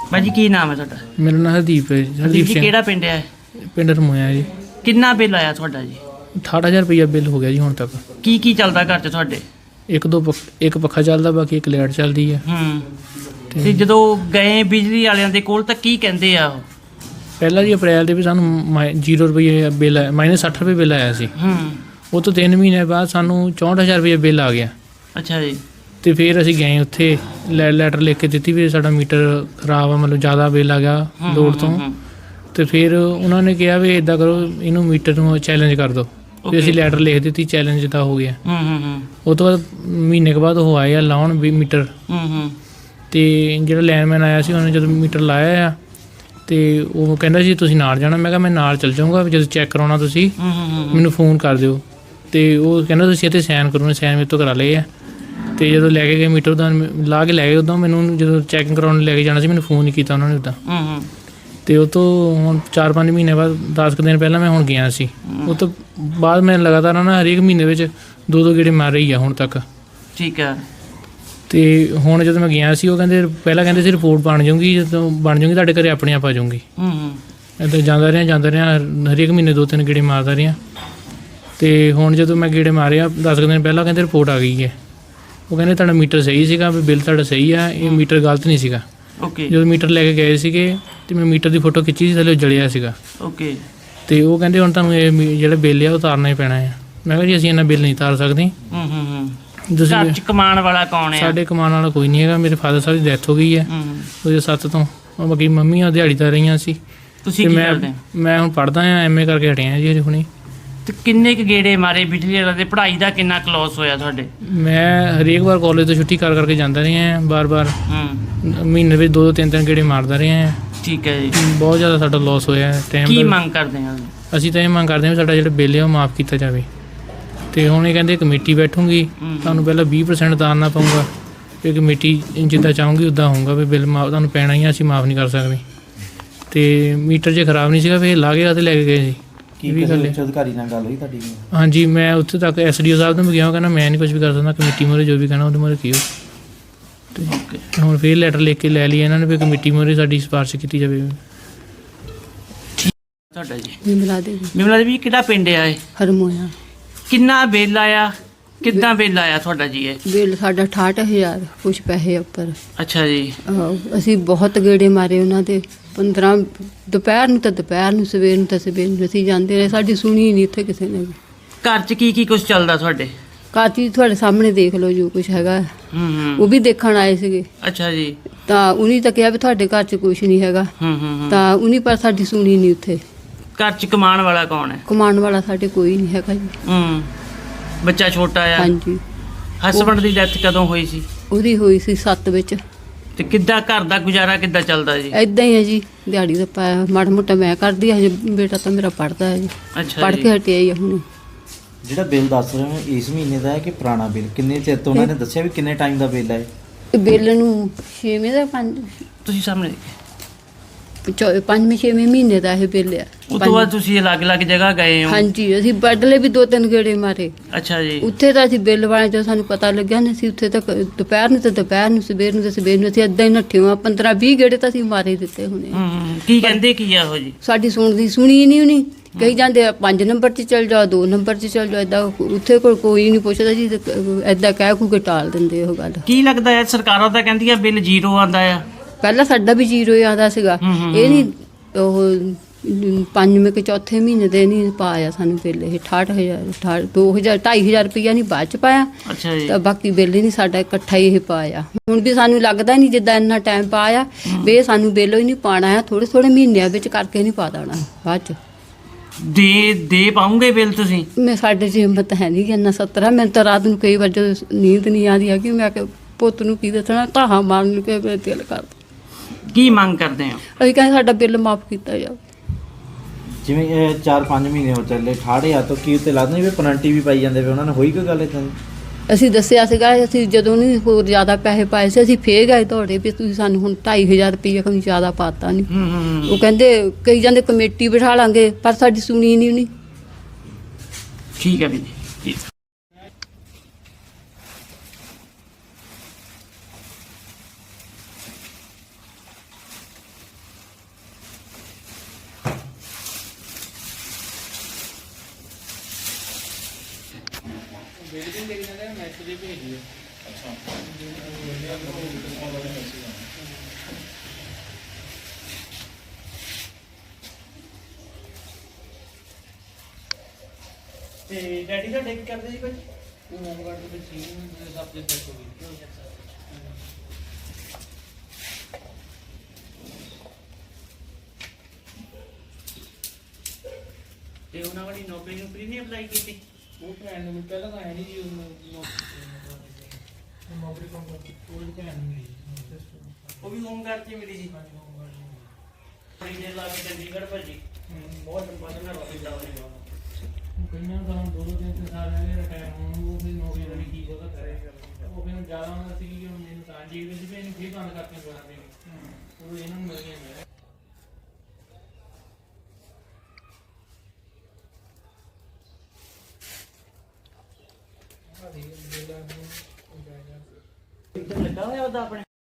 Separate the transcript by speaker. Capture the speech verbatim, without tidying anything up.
Speaker 1: भाजी की नाम है ਤੁਹਾਡਾ?
Speaker 2: ਮੇਰਾ ਨਾਮ ਹਰਦੀਪ ਹੈ ਜੀ। ਹਰਦੀਪ
Speaker 1: ਜੀ
Speaker 2: ਸਿੰਘ।
Speaker 1: ਕਿਹੜਾ ਪਿੰਡ ਹੈ?
Speaker 2: ਪਿੰਡ ਰਮੋਇਆ ਜੀ।
Speaker 1: ਕਿੰਨਾ ਬਿੱਲ ਆਇਆ ਤੁਹਾਡਾ ਜੀ?
Speaker 2: ਅਠਾਰਾਂ ਹਜ਼ਾਰ ਰੁਪਈਆ ਬਿੱਲ ਹੋ ਗਿਆ ਜੀ ਹੁਣ ਤੱਕ।
Speaker 1: ਕੀ ਕੀ ਚੱਲਦਾ ਘਰ 'ਚ ਤੁਹਾਡੇ?
Speaker 2: ਇੱਕ ਦੋ ਪੱਖ- ਇੱਕ ਪੱਖਾ ਚੱਲਦਾ, ਬਾਕੀ ਇੱਕ ਲਾਈਟ ਚੱਲਦੀ ਹੈ।
Speaker 1: ਹੂੰ ਤੇ ਜਦੋਂ ਗਏ ਬਿਜਲੀ ਵਾਲਿਆਂ ਦੇ ਕੋਲ ਤਾਂ ਕੀ ਕਹਿੰਦੇ ਆ ਉਹ?
Speaker 2: ਪਹਿਲਾਂ ਜੀ ਅਪ੍ਰੈਲ ਦੇ ਵੀ ਸਾਨੂੰ ਮਾਈ- ਜ਼ੀਰੋ ਰੁਪਈਏ ਬਿੱਲ ਆਇਆ, ਮਾਈਨਸ ਸੱਠ ਰੁਪਏ ਬਿੱਲ ਆਇਆ ਸੀ।
Speaker 1: ਹੂੰ
Speaker 2: ਉਹ ਤੋਂ ਤਿੰਨ ਮਹੀਨੇ ਬਾਅਦ ਸਾਨੂੰ ਚੌਂਹਠ ਹਜ਼ਾਰ ਰੁਪਈਆ ਬਿੱਲ ਆ ਗਿਆ।
Speaker 1: ਅੱਛਾ ਜੀ।
Speaker 2: ਤੇ ਫਿਰ ਅਸੀਂ ਗਏ ਉੱਥੇ, ਲੈ ਲੈਟਰ ਲਿਖ ਕੇ ਦਿੱਤੀ ਵੀ ਸਾਡਾ ਮੀਟਰ ਖਰਾਬ ਆ, ਮਤਲਬ ਜ਼ਿਆਦਾ ਬਿੱਲ ਆ ਗਿਆ
Speaker 1: ਹੂੰ,
Speaker 2: ਲੋਡ
Speaker 1: ਹੂੰ,
Speaker 2: ਤੋਂ।
Speaker 1: ਹੂੰ,
Speaker 2: ਤੇ ਫਿਰ ਉਹਨਾਂ ਨੇ ਕਿਹਾ ਵੀ ਇਦਾਂ ਕਰੋ, ਇਹਨੂੰ ਮੀਟਰ ਨੂੰ ਚੈਲੰਜ ਕਰ ਦਿਓ। ਤੇ ਅਸੀਂ
Speaker 1: Okay.
Speaker 2: ਲੈਟਰ ਲਿਖ ਦਿੱਤੀ, ਚੈਲੰਜ ਦਾ ਹੋ ਗਿਆ।
Speaker 1: ਹੂੰ ਹੂੰ ਹੂੰ
Speaker 2: ਉਹ ਤੋਂ ਬਾਅਦ ਮਹੀਨੇ ਕੁ ਬਾਅਦ ਉਹ ਆਏ ਆ ਲਾਉਣ ਵੀ ਮੀਟਰ।
Speaker 1: ਹੂੰ ਹੂੰ
Speaker 2: ਤੇ ਜਿਹੜਾ ਲਾਈਨਮੈਨ ਆਇਆ ਸੀ ਉਹਨੇ ਜਦੋਂ ਮੀਟਰ ਲਾਇਆ ਆ ਤੇ ਉਹ ਕਹਿੰਦਾ ਸੀ ਤੁਸੀਂ ਨਾਲ ਜਾਣਾ। ਮੈਂ ਕਿਹਾ ਮੈਂ ਨਾਲ ਚੱਲ ਜਾਊਂਗਾ, ਵੀ ਜਦੋਂ ਚੈੱਕ ਕਰਾਉਣਾ ਤੁਸੀਂ
Speaker 1: ਹੂੰ ਹੂੰ
Speaker 2: ਮੈਨੂੰ ਫੋਨ ਕਰ ਦਿਓ। ਤੇ ਉਹ ਕਹਿੰਦਾ ਤੁਸੀਂ ਇੱਥੇ ਸਾਈਨ ਕਰੋ। ਸਾਈਨ ਮੇਰੇ ਤੋਂ ਕਰਾ ਲਏ ਆ। ਤੇ ਜਦੋਂ ਲੈ ਕੇ ਗਏ ਮੀਟਰ ਦਾ ਲਾ ਕੇ ਲੈ ਗਏ, ਉਦੋਂ ਮੈਨੂੰ ਜਦੋਂ ਚੈਕਿੰਗ ਕਰਾਉਣ ਲੈ ਕੇ ਜਾਣਾ ਸੀ ਮੈਨੂੰ ਫੋਨ ਨਹੀਂ ਕੀਤਾ ਉਹਨਾਂ ਨੇ ਉੱਦਾਂ।
Speaker 1: ਹੂੰ ਹੂੰ
Speaker 2: ਤੇ ਉਹ ਤੋਂ ਹੁਣ ਚਾਰ ਪੰਜ ਮਹੀਨੇ ਬਾਅਦ, ਦਸ ਕੁ ਦਿਨ ਪਹਿਲਾਂ ਮੈਂ ਹੁਣ ਗਿਆ ਸੀ। ਉਹ ਤੋਂ ਬਾਅਦ ਮੈਂ ਲਗਾਤਾਰ ਨਾ ਹਰੇਕ ਮਹੀਨੇ ਵਿੱਚ ਦੋ ਦੋ ਗੇੜੇ ਮਾਰ ਰਹੀ ਆ ਹੁਣ ਤੱਕ।
Speaker 1: ਠੀਕ ਹੈ।
Speaker 2: ਤੇ ਹੁਣ ਜਦੋਂ ਮੈਂ ਗਿਆ ਸੀ ਉਹ ਕਹਿੰਦੇ, ਪਹਿਲਾਂ ਕਹਿੰਦੇ ਸੀ ਰਿਪੋਰਟ ਬਣ ਜਾਊਗੀ, ਜਦੋਂ ਬਣ ਜਾਊਗੀ ਤੁਹਾਡੇ ਘਰੇ ਆਪਣੇ ਆਪ ਆ ਜਾਊਗੀ।
Speaker 1: ਹੂੰ ਹੂੰ
Speaker 2: ਇੱਦਾਂ ਜਾਂਦਾ ਰਿਹਾ ਜਾਂਦਾ ਰਿਹਾ ਹਰੇਕ ਮਹੀਨੇ ਦੋ ਤਿੰਨ ਗੇੜੇ ਮਾਰਦਾ ਰਿਹਾ। ਤੇ ਹੁਣ ਜਦੋਂ ਮੈਂ ਗੇੜੇ ਮਾਰਿਆ ਦਸ ਕੁ ਦਿਨ ਪਹਿਲਾਂ, ਕਹਿੰਦੇ ਰਿਪੋਰਟ ਆ ਗਈ ਹੈ। ਉਹ ਕਹਿੰਦੇ ਤੁਹਾਡਾ ਮੀਟਰ ਸਹੀ ਸੀਗਾ, ਵੀ ਬਿੱਲ ਤੁਹਾਡਾ ਸਹੀ ਆ, ਇਹ ਮੀਟਰ ਗਲਤ ਨਹੀਂ ਸੀਗਾ।
Speaker 1: ਓਕੇ
Speaker 2: ਜਦੋਂ ਮੀਟਰ ਲੈ ਕੇ ਗਏ ਸੀਗੇ ਤੇ ਮੈਂ ਮੀਟਰ ਦੀ ਫੋਟੋ ਖਿੱਚੀ ਸੀ, ਥੱਲੇ ਉਹ ਜਲਿਆ ਸੀਗਾ।
Speaker 1: ਓਕੇ
Speaker 2: ਤੇ ਉਹ ਕਹਿੰਦੇ ਹੁਣ ਤੁਹਾਨੂੰ ਇਹ ਮੀ- ਜਿਹੜਾ ਬਿੱਲ ਆ ਉਹ ਉਤਾਰਨਾ ਹੀ ਪੈਣਾ ਹੈ। ਮੈਂ ਕਿਹਾ ਜੀ ਅਸੀਂ ਇਹਨਾਂ ਬਿੱਲ ਨਹੀਂ ਉਤਾਰ ਸਕਦੇ।
Speaker 1: ਹੂੰ ਹੂੰ ਹੂੰ
Speaker 2: ਤੁਸੀਂ
Speaker 1: ਘਰ 'ਚ ਕਮਾਉਣ ਵਾਲਾ ਕੌਣ ਹੈ?
Speaker 2: ਸਾਡੇ ਕਮਾਉਣ ਵਾਲਾ ਕੋਈ ਨਹੀਂ ਹੈਗਾ। ਮੇਰੇ ਫਾਦਰ ਸਾਹਿਬ ਦੀ ਡੈਥ ਹੋ ਗਈ ਹੈ
Speaker 1: ਹੂੰ
Speaker 2: ਦੋ ਹਜ਼ਾਰ ਸੱਤ ਤੋਂ। ਉਹ ਬਾਕੀ ਮੰਮੀਆਂ ਦਿਹਾੜੀਦਾਰ ਰਹੀਆਂ ਸੀ।
Speaker 1: ਤੁਸੀਂ
Speaker 2: ਤੇ
Speaker 1: ਕੀ
Speaker 2: ਮੈਂ
Speaker 1: ਕਰਦੇ ਹੋ?
Speaker 2: ਮੈਂ ਹੁਣ ਪੜ੍ਹਦਾ ਆ, ਐਮ ਏ ਕਰਕੇ ਹਟਿਆ ਜੀ ਅਜੇ ਹੁਣੇ।
Speaker 1: ਤੇ ਕਿੰਨੇ ਕੁ ਗੇੜੇ ਮਾਰੇ ਬਿਜਲੀ ਵਾਲਿਆਂ ਦੇ? ਪੜ੍ਹਾਈ ਦਾ ਕਿੰਨਾ ਕਲੋਸ ਹੋਇਆ ਤੁਹਾਡੇ?
Speaker 2: ਮੈਂ ਹਰੇਕ ਵਾਰ ਕਾਲਜ ਤੋਂ ਛੁੱਟੀ ਕਰ ਕਰਕੇ ਜਾਂਦਾ ਰਿਹਾ ਹਾਂ, ਬਾਰ-ਬਾਰ
Speaker 1: ਹੂੰ
Speaker 2: ਮਹੀਨੇ ਵਿੱਚ ਦੋ ਦੋ ਤਿੰਨ ਤਿੰਨ ਗੇੜੇ ਮਾਰਦਾ ਰਿਹਾ ਹਾਂ।
Speaker 1: ਠੀਕ ਹੈ ਜੀ।
Speaker 2: ਬਹੁਤ ਜ਼ਿਆਦਾ ਸਾਡਾ ਲਾਸ ਹੋਇਆ ਹੈ
Speaker 1: ਕੀ
Speaker 2: ਟਾਈਮ ਦਾ।
Speaker 1: ਮੰਗ ਕਰਦੇ ਆ?
Speaker 2: ਅਸੀਂ ਤਾਂ ਇਹ ਮੰਗ ਕਰਦੇ ਹਾਂ ਵੀ ਸਾਡਾ ਜਿਹੜਾ ਬਿੱਲ ਹੈ ਉਹ ਮਾਫ ਕੀਤਾ ਜਾਵੇ। ਤੇ ਹੁਣ ਇਹ ਕਹਿੰਦੇ ਕਮੇਟੀ ਬੈਠੂਗੀ,
Speaker 1: ਹੂੰ।
Speaker 2: ਤੁਹਾਨੂੰ ਪਹਿਲਾਂ ਵੀਹ ਪਰਸੈਂਟ ਉਤਾਰਨਾ ਪਊਗਾ। ਫਿਰ ਕਮੇਟੀ ਜਿੱਦਾਂ ਚਾਹੂਗੀ ਉੱਦਾਂ ਹੋਊਗਾ, ਵੀ ਬਿੱਲ ਮਾਫ ਤੁਹਾਨੂੰ ਪੈਣਾ ਹੀ ਆ, ਅਸੀਂ ਮਾਫ ਨਹੀਂ ਕਰ ਸਕਦੇ। ਤੇ ਮੀਟਰ ਜੇ ਖਰਾਬ ਨਹੀਂ ਸੀਗਾ ਫਿਰ ਲਾ ਕੇ ਤੇ ਲੈ ਕੇ ਗਏ ਸੀ।
Speaker 3: ਕੀ
Speaker 2: ਇਹ ਵੀ
Speaker 3: ਕਿਸੇ
Speaker 2: ਗੱਲ ਹੈ।
Speaker 3: ਉੱਚ ਅਧਿਕਾਰੀ ਨਾਲ ਗੱਲ ਹੋਈ ਤੁਹਾਡੀ?
Speaker 2: ਹਾਂਜੀ ਮੈਂ ਉੱਥੇ ਤੱਕ ਐਸ ਡੀ ਓ ਸਾਹਿਬ ਨੂੰ ਵੀ ਗਿਆ, ਉਹ ਕਹਿੰਦਾ ਮੈਂ ਨਹੀਂ ਕੁਝ ਵੀ ਕਰ ਸਕਦਾ, ਕਮੇਟੀ ਮੋਰੇ ਜੋ ਵੀ ਕਹਿਣਾ ਉਹਦੇ ਮੋਰੇ ਕੀਓ। ਤੇ
Speaker 1: ਓਕੇ
Speaker 2: ਹੁਣ ਫਿਰ ਲੈਟਰ ਲਿਖ ਕੇ ਲੈ ਲਈ ਇਹਨਾਂ ਨੇ ਵੀ ਕਮੇਟੀ ਮੋਰੇ ਸਾਡੀ ਸਿਫਾਰਿਸ਼ ਕੀਤੀ ਜਾਵੇ।
Speaker 1: ਤੁਹਾਡਾ ਜੀ?
Speaker 4: ਵਿਮਲਾ ਦੇਵੀ
Speaker 1: ਵਿਮਲਾ ਦੇਵੀ ਕਿਹੜਾ ਪਿੰਡ ਆ ਇਹ?
Speaker 4: ਹਰਮੋਇਆ।
Speaker 1: ਕਿੰਨਾ ਬਿੱਲ ਆਇਆ? ਕਿੱਦਾਂ ਬਿੱਲ ਆਇਆ ਤੁਹਾਡਾ ਜੀ ਇਹ?
Speaker 4: ਬਿੱਲ ਸਾਡਾ ਅਠਾਹਠ ਹਜ਼ਾਰ ਕੁਛ ਪੈਸੇ ਉੱਪਰ।
Speaker 1: ਅੱਛਾ ਜੀ।
Speaker 4: ਆਹੋ, ਅਸੀਂ ਬਹੁਤ ਗੇੜੇ ਮਾਰੇ ਉਹਨਾਂ ਦੇ। ਪੰਦਰਾਂ ਦੁਪਹਿਰ ਨੂੰ ਤਾਂ ਦੁਪਹਿਰ ਨੂੰ, ਸਵੇਰ ਨੂੰ ਤਾਂ ਸਵੇਰ ਨੂੰ ਅਸੀਂ ਜਾਂਦੇ ਰਹੇ। ਸਾਡੀ ਸੁਣੀ ਨਹੀਂ ਇੱਥੇ ਕਿਸੇ ਨੇ ਵੀ।
Speaker 1: ਘਰ 'ਚ ਕੀ ਕੀ ਕੁਝ ਚੱਲਦਾ ਤੁਹਾਡੇ?
Speaker 4: ਕਾਤੀ ਤੁਹਾਡੇ ਸਾਹਮਣੇ ਦੇਖ ਲਓ ਜੋ ਕੁਛ ਹੈਗਾ।
Speaker 1: ਹੂੰ ਹੂੰ
Speaker 4: ਉਹ ਵੀ ਦੇਖਣ ਆਏ ਸੀਗੇ,
Speaker 1: ਅੱਛਾ ਜੀ।
Speaker 4: ਤਾਂ ਉਹਨੇ ਤਾਂ ਕਿਹਾ ਵੀ ਤੁਹਾਡੇ ਘਰ 'ਚ ਕੁਛ ਨਹੀਂ ਹੈਗਾ।
Speaker 1: ਹੂੰ ਹੂੰ ਹੂੰ
Speaker 4: ਤਾਂ ਉਹਨੇ ਪਰ ਸਾਡੀ ਸੁਣੀ ਨਹੀਂ ਉੱਥੇ।
Speaker 1: ਘਰ 'ਚ ਕਮਾਉਣ ਵਾਲਾ ਕੌਣ ਹੈ?
Speaker 4: ਕਮਾਉਣ ਵਾਲਾ ਸਾਡੇ ਕੋਈ ਨਹੀਂ ਹੈਗਾ ਜੀ।
Speaker 1: ਹੂੰ ਬੱਚਾ ਛੋਟਾ ਆ?
Speaker 4: ਹਾਂਜੀ,
Speaker 1: ਹਸਬੰਡ ਦੀ ਡੈਥ ਕਦੋਂ ਹੋਈ ਸੀ?
Speaker 4: ਉਹਦੀ ਹੋਈ ਸੀ ਸੱਤ ਵਿੱਚ।
Speaker 1: ਤੇ ਕਿੱਦਾਂ ਘਰ ਦਾ ਗੁਜ਼ਾਰਾ ਕਿੱਦਾਂ ਚੱਲਦਾ ਜੀ?
Speaker 4: ਏਦਾਂ ਹੀ ਹੈ ਜੀ, ਦਿਹਾੜੀ ਦਾ ਪਾਇਆ ਮਾੜਾ ਮੋਟਾ ਮੈਂ ਕਰਦੀ। ਹਜੇ ਬੇਟਾ ਤਾਂ ਮੇਰਾ ਪੜ੍ਹਦਾ ਹੈ ਜੀ,
Speaker 1: ਅੱਛਾ
Speaker 4: ਪੜ੍ਹ
Speaker 1: ਜੀ।
Speaker 4: ਕੇ ਹਟਿਆ ਹੀ ਆ ਹੁਣ।
Speaker 3: ਜਿਹੜਾ ਬਿੱਲ ਦੱਸ ਰਹੇ ਹੋ ਇਸ ਮਹੀਨੇ ਦਾ ਹੈ ਕਿ ਪੁਰਾਣਾ ਬਿੱਲ? ਕਿੰਨੇ ਚਿਰ ਤੋਂ ਉਹਨਾਂ ਨੇ ਦੱਸਿਆ ਵੀ ਕਿੰਨੇ ਟਾਈਮ ਦਾ ਬਿੱਲ ਹੈ?
Speaker 4: ਬਿੱਲ ਨੂੰ ਛੇਵੇਂ ਦਾ ਪੰਜ
Speaker 1: ਤੁਸੀਂ ਸਾਹਮਣੇ ਦੇਖਿਆ।
Speaker 4: ਚੌ- ਪੰਜਵੇਂ ਛੇਵੇਂ ਮਹੀਨੇ ਦਾ ਇਹ ਬਿੱਲ ਆ।
Speaker 1: ਉਸ ਤੋਂ ਬਾਅਦ ਤੁਸੀਂ ਅਲੱਗ-ਅਲੱਗ ਜਗ੍ਹਾ ਗਏ ਹੋ?
Speaker 4: ਹਾਂਜੀ, ਅਸੀਂ ਬਦਲੇ ਵੀ ਦੋ ਤਿੰਨ ਗੇੜੇ ਮਾਰੇ।
Speaker 1: ਅੱਛਾ ਜੀ।
Speaker 4: ਉੱਥੇ ਤਾਂ ਅਸੀਂ ਬਿੱਲ ਵਾਲੇ ਜਦੋਂ ਸਾਨੂੰ ਪਤਾ ਲੱਗਿਆ ਨਾ, ਅਸੀਂ ਉੱਥੇ ਤੱਕ ਦੁਪਹਿਰ ਨੂੰ ਤੇ ਦੁਪਹਿਰ ਨੂੰ, ਸਵੇਰ ਨੂੰ ਤੇ ਸਵੇਰ ਨੂੰ ਅਸੀਂ ਏਦਾਂ ਹੀ ਨੱਠੇ ਹਾਂ। ਪੰਦਰਾਂ ਵੀਹ ਗੇੜੇ ਤਾਂ ਅਸੀਂ ਮਾਰੇ ਦਿੱਤੇ ਹੋਣੇ।
Speaker 1: ਹੂੰ ਹੂੰ ਕੀ ਕਹਿੰਦੇ ਕੀ ਆ ਉਹ ਜੀ?
Speaker 4: ਸਾਡੀ ਸੁਣਦੀ ਸੁਣੀ ਨਹੀਂ ਉਹਨੀ। ਕਹੀ ਜਾਂਦੇ ਆ ਪੰਜ ਨੰਬਰ 'ਚ ਚੱਲ ਜਾਓ, ਦੋ ਨੰਬਰ 'ਚ ਚੱਲ ਜਾਓ। ਏਦਾਂ ਉੱਥੇ ਕੋਲ ਕੋਈ ਨਹੀਂ ਪੁੱਛਦਾ ਜੀ, ਏਦਾਂ ਕਹਿ ਕੂ ਕੇ ਟਾਲ ਦਿੰਦੇ ਉਹ ਗੱਲ।
Speaker 1: ਕੀ ਲੱਗਦਾ ਹੈ ਸਰਕਾਰਾਂ ਤਾਂ ਕਹਿੰਦੀਆਂ ਬਿੱਲ ਜ਼ੀਰੋ ਆਂਦਾ ਆ?
Speaker 4: ਪਹਿਲਾਂ ਸਾਡਾ ਵੀ ਜ਼ੀਰੋ ਹੀ ਆਉਂਦਾ ਸੀਗਾ।
Speaker 1: ਹੂੰ, ਹੂੰ,
Speaker 4: ਇਹ ਨਹੀਂ ਉਹ ਪੰਜਵੇਂ ਕਿ ਚੌਥੇ ਮਹੀਨੇ ਦੇ ਨਹੀਂ ਪਾਇਆ ਸਾਨੂੰ ਬਿੱਲ। ਇਹ ਅਠਾਹਠ ਹਜ਼ਾਰ ਅਠਾਹਠ ਦੋ ਹਜ਼ਾਰ ਢਾਈ ਹਜ਼ਾਰ ਰੁਪਈਆ ਨਹੀਂ ਬਾਅਦ ਚ ਪਾਇਆ।
Speaker 1: ਅੱਛਾ ਜੀ।
Speaker 4: ਤਾਂ ਬਾਕੀ ਬਿੱਲ ਹੀ ਨਹੀਂ ਸਾਡਾ ਇਕੱਠਾ ਹੀ ਇਹ ਪਾਇਆ। ਹੁਣ ਵੀ ਸਾਨੂੰ ਲੱਗਦਾ ਨਹੀਂ ਜਿੱਦਾਂ ਇੰਨਾ ਟਾਈਮ ਪਾਇਆ ਵੀ ਇਹ ਸਾਨੂੰ ਬਿੱਲ ਹੀ ਨਹੀਂ ਪਾਉਣਾ ਆ। ਥੋੜ੍ਹੇ ਥੋੜ੍ਹੇ ਮਹੀਨਿਆਂ ਵਿੱਚ ਕਰਕੇ ਨਹੀਂ ਪਾ ਦੇਣਾ ਬਾਅਦ ਚ।
Speaker 1: ਦੇ ਦੇ ਪਾਉਂਗੇ ਬਿੱਲ ਤੁਸੀਂ?
Speaker 4: ਮੈਂ ਸਾਡੇ 'ਚ ਹਿੰਮਤ ਹੈ ਨਹੀਂ ਕਿ ਇੰਨਾ ਸੱਤਰਾ। ਮੈਨੂੰ ਤਾਂ ਰਾਤ ਨੂੰ ਕਈ ਵਾਰ ਜਦੋਂ ਨੀਂਦ ਨਹੀਂ ਆਉਂਦੀ ਹੈਗੀ, ਮੈਂ ਕਿ ਪੁੱਤ ਨੂੰ ਕੀ ਦੱਸਣਾ, ਧਾਹਾਂ ਮਾਰਨ ਨੂੰ ਕਿ ਮੇਰੇ ਦਿਲ ਕਰਦਾ।
Speaker 1: ਕੀ ਮੰਗ ਕਰਦੇ ਹੋ?
Speaker 4: ਅਸੀਂ ਕਹਿੰਦੇ ਸਾਡਾ ਬਿੱਲ ਮਾਫ ਕੀਤਾ ਜਾਵੇ।
Speaker 3: ਜਿਵੇਂ ਇਹ ਚਾਰ ਪੰਜ ਮਹੀਨੇ ਹੋ ਚੱਲੇ, ਅਠਾਹਠ ਹਜ਼ਾਰ ਤੋਂ ਕੀ ਉੱਤੇ ਲੱਗਦਾ ਨਹੀਂ ਵੀ ਪੈਨਲਟੀ ਵੀ ਪਾਈ ਜਾਂਦੇ ਵੀ ਉਹਨਾਂ ਨੇ? ਹੋਈ ਕੋਈ ਗੱਲ ਇੱਦਾਂ ਦੀ?
Speaker 4: ਅਸੀਂ ਦੱਸਿਆ ਸੀਗਾ, ਅਸੀਂ ਜਦੋਂ ਨਹੀਂ ਹੋਰ ਜ਼ਿਆਦਾ ਪੈਸੇ ਪਾਏ ਸੀ ਅਸੀਂ ਫੇਰ ਗਏ ਦੌੜੇ ਵੀ ਤੁਸੀਂ ਸਾਨੂੰ ਹੁਣ ਢਾਈ ਹਜ਼ਾਰ ਰੁਪਈਆ ਕੋਈ ਜ਼ਿਆਦਾ ਪਾਤਾ ਨਹੀਂ।
Speaker 1: ਹੂੰ ਹੂੰ
Speaker 4: ਉਹ ਕਹਿੰਦੇ ਕਈ ਜਾਂਦੇ ਕਮੇਟੀ ਬਿਠਾ ਲਾਂਗੇ, ਪਰ ਸਾਡੀ ਸੁਣੀ ਨਹੀਂ ਉਹਨੇ।
Speaker 1: ਠੀਕ ਹੈ ਵੀ ਜੀ।
Speaker 2: ਬਿਲਡਿੰਗ ਦੇ ਕਹਿੰਦੇ ਮੈਸੇਜ ਦੇ ਭੇਜੀ ਹੈ।
Speaker 5: ਅੱਛਾ
Speaker 1: ਤੇ ਡੈਡੀ ਤੁਹਾਡੇ ਕੀ ਕਰਦੇ ਸੀ ਭਾਈ?
Speaker 2: ਉਹ ਹੋਮਗਾਰਡ ਦੇ ਵਿੱਚ ਸੀ ਸਭ ਦੇ ਡੈਥ ਹੋ ਗਈ।
Speaker 1: ਤੇ ਉਹਨਾਂ ਵਾਲੀ ਨੌਕਰੀ ਨੌਕਰੀ ਨਹੀਂ ਅਪਲਾਈ ਕੀਤੀ?
Speaker 2: ਉਹ ਭੈਣ ਨੂੰ ਪਹਿਲਾਂ ਤਾਂ ਹੈ ਨਹੀਂ ਜੀ ਉਹਨੂੰ ਨੌਕਰੀ ਕੰਮ ਕਰਦੀ ਉਹ ਭੈਣ ਨੂੰ ਮਿਲੀ।
Speaker 1: ਉਹ ਵੀ ਹੋਮਗਾਰਡ 'ਚ ਹੀ ਮਿਲੀ ਸੀ। ਬੜੀ ਦੇਰ ਲਾ ਕੇ ਚੰਡੀਗੜ੍ਹ ਭੱਜੀ। ਬਹੁਤ ਲੰਬਾ ਸਮਾਂ ਰੋਕਿਆ ਉਹਨੇ।
Speaker 2: ਕਈਆਂ ਦਾ ਹੁਣ ਦੋ ਦੋ ਤਿੰਨ ਤਿੰਨ ਸਾਲ ਰਹਿ ਗਏ ਰਿਟਾਇਰ ਹੋਣ ਨੂੰ, ਉਹ ਫਿਰ ਨੌਕਰੀ ਵਾਲੀ ਕੀ ਉਹਦਾ ਕਰੇ। ਉਹ ਫਿਰ ਜ਼ਿਆਦਾ ਹੁੰਦਾ ਸੀ ਕਿ ਮੈਨੂੰ ਤਾਂ ਜੀ ਦੇ ਸੀ ਵੀ ਇਹਨੂੰ ਫੇਰ ਬੰਦ ਕਰਕੇ ਬਣਾ ਦੇ। ਉਹ ਇਹਨਾਂ ਨੂੰ ਮਿਲ ਗਿਆ।
Speaker 1: ਲੱਗਾ ਹੋਇਆ ਉਹਦਾ ਆਪਣੇ